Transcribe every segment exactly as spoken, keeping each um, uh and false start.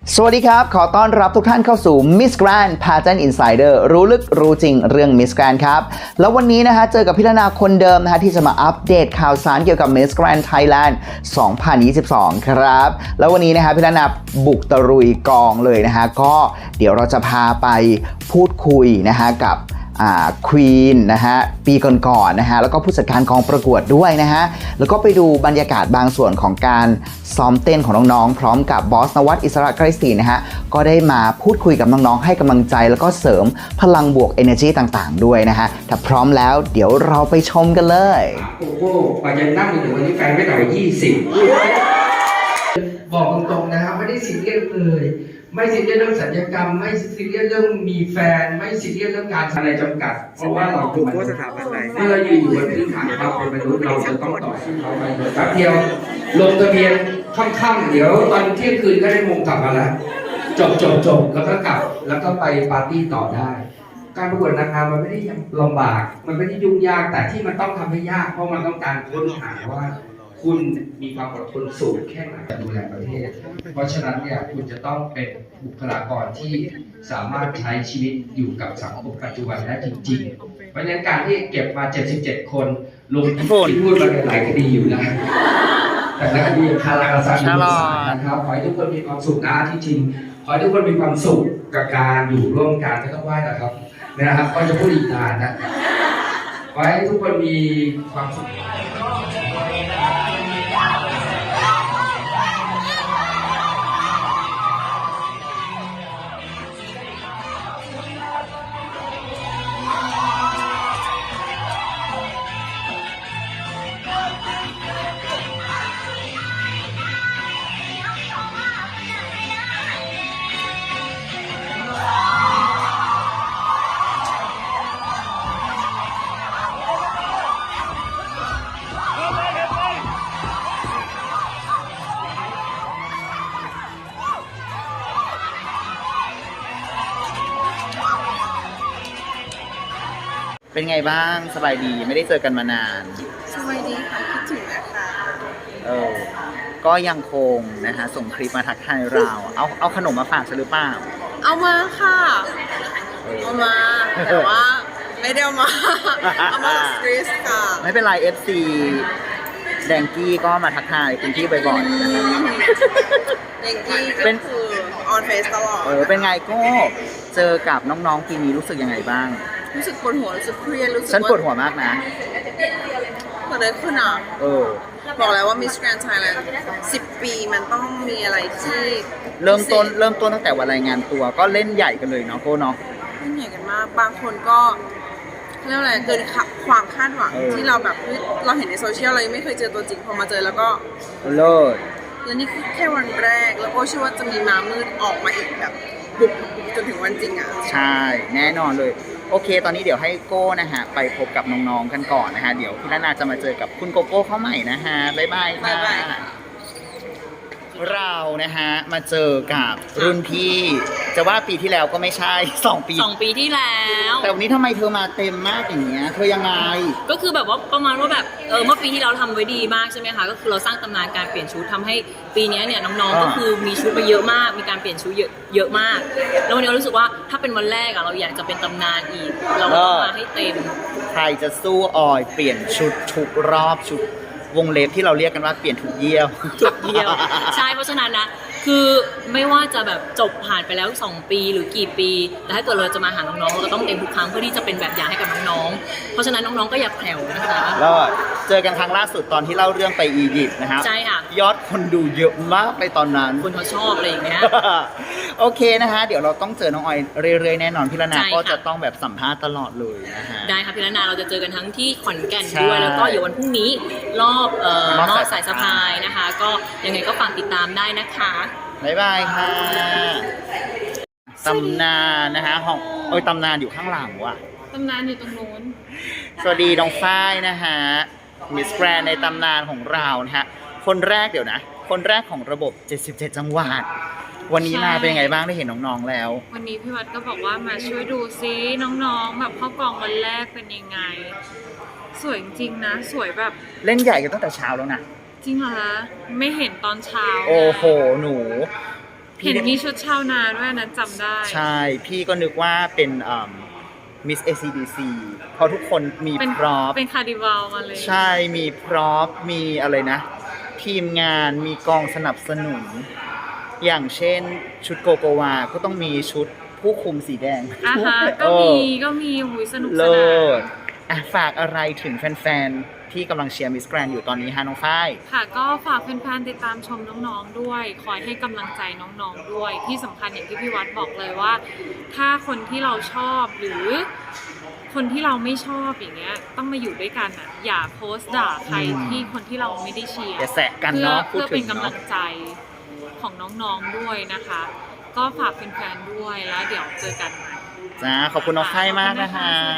สวัสดีครับขอต้อนรับทุกท่านเข้าสู่ Miss Grand Pageant Insider รู้ลึกรู้จริงเรื่อง Miss Grand ครับแล้ววันนี้นะฮะเจอกับพิรนาคนเดิมนะฮะที่จะมาอัปเดตข่าวสารเกี่ยวกับ Miss Grand Thailand สองพันยี่สิบสอง ครับแล้ววันนี้นะฮะพิรนาบุกตะลุยกองเลยนะฮะก็เดี๋ยวเราจะพาไปพูดคุยนะฮะกับควีนนะฮะปีก่อนๆนะฮะแล้วก็ผู้จัดการกองประกวดด้วยนะฮะแล้วก็ไปดูบรรยากาศบางส่วนของการซ้อมเต้นของน้องๆพร้อมกับบอสนวัตอิสระไกรศรีนะฮะก็ได้มาพูดคุยกับน้องๆให้กำลังใจแล้วก็เสริมพลังบวก energy ต่างๆด้วยนะฮะถ้าพร้อมแล้วเดี๋ยวเราไปชมกันเลยโอ้โหกว่าจะนั่งมาถึงวันนี้แฟนไม่ต่ำกว่ายี่สิบบอกตรงๆนะครับไม่ได้ซีเรียสเลยไม่ซีเรียสเรื่องสัญญกรรมไม่ซีเรียสเรื่องมีแฟนไม่ซีเรียสเรื่องการอะไรจำกัดเพราะว่าเราเป็นมนุษย์เมื่อยืนอยู่บนพื้นฐานความเป็นมนุษย์เราจะต้องต่อสู้เขาไปแป๊บเดียวลงทะเบียนค่ำๆเดี๋ยวตอนเที่ยงคืนก็ได้มงกลับมาแล้วจบจบจบแล้วก็กลับแล้วก็ไปปาร์ตี้ต่อได้การประกวดนางงามมันไม่ได้ลำบากมันไม่ได้ยุ่งยากแต่ที่มันต้องทำให้ยากเพราะมันต้องการค้นหาว่าคุณมีความอดทนสูงแค่ไหนดูแลประเทศเพราะฉะนั้นเนี่ยคุณจะต้องเป็นบุคลากรที่สามารถใช้ชีวิตอยู่กับสังคมปัจจุบันได้จริงๆเพราะฉะนั้นการที่เก็บมาเจ็ดสิบเจ็ดคนลงที่พูดมาหลายคดีอยู่นะแต่ละคดีคาราคาซังนะครับขอให้ทุกคนมีความสุขนะที่จริงขอให้ทุกคนมีความสุขกับการอยู่ร่วมกันไม่ต้องไหว้นะครับนะครับก็จะพูดอีกนานนะขอให้ทุกคนมีความสุขเป็นไงบ้างสบายดีไม่ได้เจอกันมานานสบายดีค่ะคิดถึงนะคะเออก็ยังคงนะฮะส่งคลิปมาทักทายเราเอาเอาขนมมาฝากฉันหรือเปล่าเอามาค่ะเอามาแต่ว่าไม่ได้เอามาเอามาสตรีสค่ะไม่เป็นไร เอฟ ซี แดงกี้ก็มาทักทายคุณพี่บ่อยๆนะครับแดงกี้ก็คือออนเฟซตลอดเออเป็นไงก็เจอกับน้องๆปีนี้รู้สึกยังไงบ้างรู้สึกปวดหัวรู้สึกเครียดรู้สึกฉันปวดหัวมากนะเกิดอะไรขึ้นอ่ะเออบอกแล้วว่า Miss Grand Thailand สิบปีมันต้องมีอะไรที่เริ่มต้นเริ่มต้นตั้งแต่วันรายงานตัวก็เล่นใหญ่กันเลยเนาะโก้เนาะเล่นใหญ่กันมากบางคนก็เรียกอะไรเกินความคาดหวังที่เราแบบเราเห็นในโซเชียลเรายังไม่เคยเจอตัวจริงพอมาเจอแล้วก็เลิศแล้วนี่คือแค่วันแรกแล้วก็เชื่อว่าจะมีม้ามืดออกมาอีกแบบบุกจนถึงวันจริงอ่ะใช่แน่นอนเลยโอเคตอนนี้เดี๋ยวให้โก้นะฮะไปพบกับน้องๆกันก่อนนะฮะเดี๋ยวพี่นานาจะมาเจอกับคุณโกโก้เข้าใหม่นะฮะบ๊ายบายค่ะเรานะฮะมาเจอกับรุ่นพี่จะว่าปีที่แล้วก็ไม่ใช่สองปีสองปีที่แล้วแต่วันนี้ทำไมเธอมาเต็มมากอย่างเงี้ยเธอยังไงก็คือแบบว่าประมาณว่าแบบเออเมื่อปีที่เราทำไว้ดีมากใช่ไหมคะก็คือเราสร้างตำนานการเปลี่ยนชุดทำให้ปีนี้เนี่ยน้องๆก็คือมีชุดมาเยอะมากมีการเปลี่ยนชุดเยอะเยอะมากแล้ววันนี้เรารู้สึกว่าถ้าเป็นวันแรกอะเราอยากจะเป็นตำนานอีกเราก็ต้องมาให้เต็มใครจะสู้ออยเปลี่ยนชุดทุกรอบชุดวงเล็บที่เราเรียกกันว่าเปลี่ยนทุกเยี่ยวทุกเยี่ยวใช่เพราะฉะนั้นนะคือไม่ว่าจะแบบจบผ่านไปแล้วสองปีหรือกี่ปีแต่ถ้าเกิดเราจะมาหาน้องๆเราก็ต้องเต็มทุกครั้งเพื่อที่จะเป็นแบบอย่างให้กับน้องๆเพราะฉะนั้นน้องๆก็อย่าแผ่วนะคะแล้วเจอกันครั้งล่าสุดตอนที่เล่าเรื่องไปอียิปต์นะครับใช่ค่ะยอดคนดูเยอะมากไปตอนนั้นคนเขาชอบอะไรอย่างเงี้ยโอเคนะฮะเดี๋ยวเราต้องเจอน้องออยเรื่อยๆแน่นอนพี่ละนาก็จะต้องแบบสัมภาษณ์ตลอดเลยนะฮะได้ค่ะพี่ละนาเราจะเจอกันทั้งที่ขอนแก่นด้วยแล้วก็เดี๋ยววันพรุ่งนี้รอบเอ่อมอสายสะพายนะคะก็ยังไงก็ฝากติดตามได้นะคะบ๊ายบายค่ะตำนานนะฮะห้องโอ้ยตำนานอยู่ข้างหลังว่ะตำนานอยู่ตรงโน้นสวัสดีน้องฝ้ายนะฮะมิสแกรนด์ในตำนานของเรานะฮะคนแรกเดี๋ยวนะคนแรกของระบบเจ็ดสิบเจ็ดจังหวัดวันนี้นาเป็นยังไงบ้างได้เห็นน้องๆแล้ววันนี้พี่วัดก็บอกว่ามาช่วยดูซิน้องๆแบบเข้ากองวันแรกเป็นยังไงสวยจริงนะสวยแบบเล่นใหญ่กันตั้งแต่เช้าแล้วนะจริงเหรอคะไม่เห็นตอนเช้าโอ้โหหนูเห็นมีชุดชาวนาด้วยนั้นจำได้ใช่พี่ก็นึกว่าเป็นมิส เอ ซี ดี ซี เพราะทุกคนมีเป็นพร็อพเป็นคาร์ดิวัลมาเลยใช่มีพร็อพมีอะไรนะ ทีมงานมีกองสนับสนุน อย่างเช่นชุดโกโกวาก็ต้องมีชุดผู้คุมสีแดงอ่ะฮะเอก็อมีก็มีหุยสนุกสเลินานศอ่ะฝากอะไรถึงแฟนๆ ที่กำลังเชียร์มิสแกรนอยู่ตอนนี้ฮะน้องฝ้ายค่ะก็ฝากแฟนๆติดตามชมน้องๆด้วย คอยให้กำลังใจน้องๆด้วย ที่สำคัญอย่างที่พี่วัดบอกเลยว่า ถ้าคนที่เราชอบหรือคนที่เราไม่ชอบอย่างเงี้ยต้องมาอยู่ด้วยกันอ่ะอย่าโพสต์ด่าใครอืมที่คนที่เราไม่ได้เชียร์อย่าแสะกันเพื่อเนาะพูดเพื่อถึเป็นงกำลัเนาะงใจของน้องๆด้วยนะคะ ก็ฝากแฟนๆด้วยแล้วเดี๋ยวเจอกันใหม่จ้าขอบคุณน้องฝ้ายมากนะคะ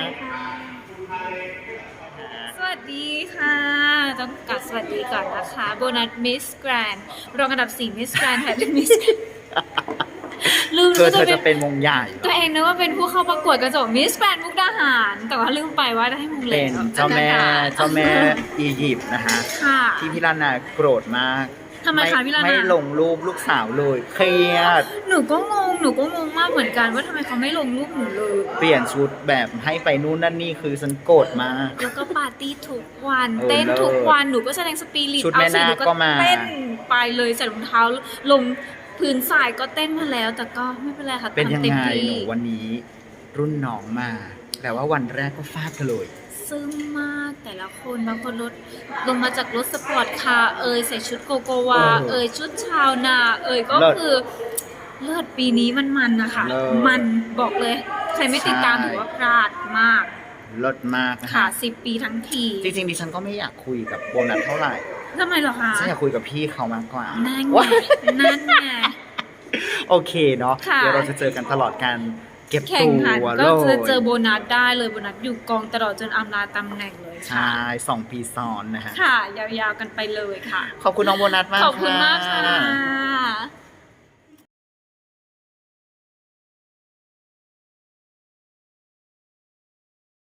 สวัสดีค่ะต้องกลับสวัสดีก่อนนะคะโบนัสมิสแกรนรองอันดับสี่มิสแกรนไทยเป็นมิสลืมเธอว่าเธตัวอเอจะงเป็นมงใหญ่ตัวเองนึกว่าเป็นผู้เข้าประกวดกระจกมิสแกรนมุกดาหาร แต่ว่าลืมไปว่าได้มงเป็แล้นวเจ้าแม่นะคะเจ้าแม่อียิปต์นะคะค่ะที่พี่ลานาโกรธมากทำไมคะพี่ลานาไม่ลงรูปลูกสาวเลยเครียดหนูก็งงหนูก็งงมากเหมือนกันว่าทำไมเขาไม่ลงรูปหนูเลยเปลี่ยนชุดแบบให้ไปนู่นนั่นนี่คือฉันโกรธมากแล้วก็ปาร์ตี้ทุกวันเออเต้นเลิศทุกวันหนูก็แสดงสปิริตชุดเอาแม่สินาคหนูก็มาเต้นไปเลยใส่รองเท้าลงพื้นทรายก็เต้นมาแล้ว แต่ก็ไม่เป็นไรค่ะเป็นยังทำต็มไงที่หนูวันนี้รุ่นน้องมา แต่ว่าวันแรกก็ฟาดกันเลยซึ้งมากแต่ละคนบางคนรถลงมาจากรถสปอร์ตคาร์เอยใส่ชุดโกโกวาเออเอยชุดชาวนา เอยก็เลิศคือเลือดปีนี้มันมันนะคะเลิศมันบอกเลย ใครไม่ติดตามใช่ถือว่าพลาดมากลดมากนะค่ะคะสิบปีทั้งทีจริงๆดิฉันก็ไม่อยากคุยกับโบนัสเท่าไหร่ทำไมเหรอคะฉันอยากคุยกับพี่เขามากกว่านั่นไงว้ายนั่นไงโอเคเนาะค่ะเดี๋ยวเราจะเจอกันตลอดการเก็บแข่ตังขันวก็เลจะเจยอโบนัสได้เลยโบนัสอยู่กองตลอดจนอำลาตำแหน่งเลยใช่ค่ะสองปีซ้อนนะฮะค่ะ ยาวๆกันไปเลยค่ะขอบคุณน้องโบนัสมากขอบคุณมากค่ะค่ะ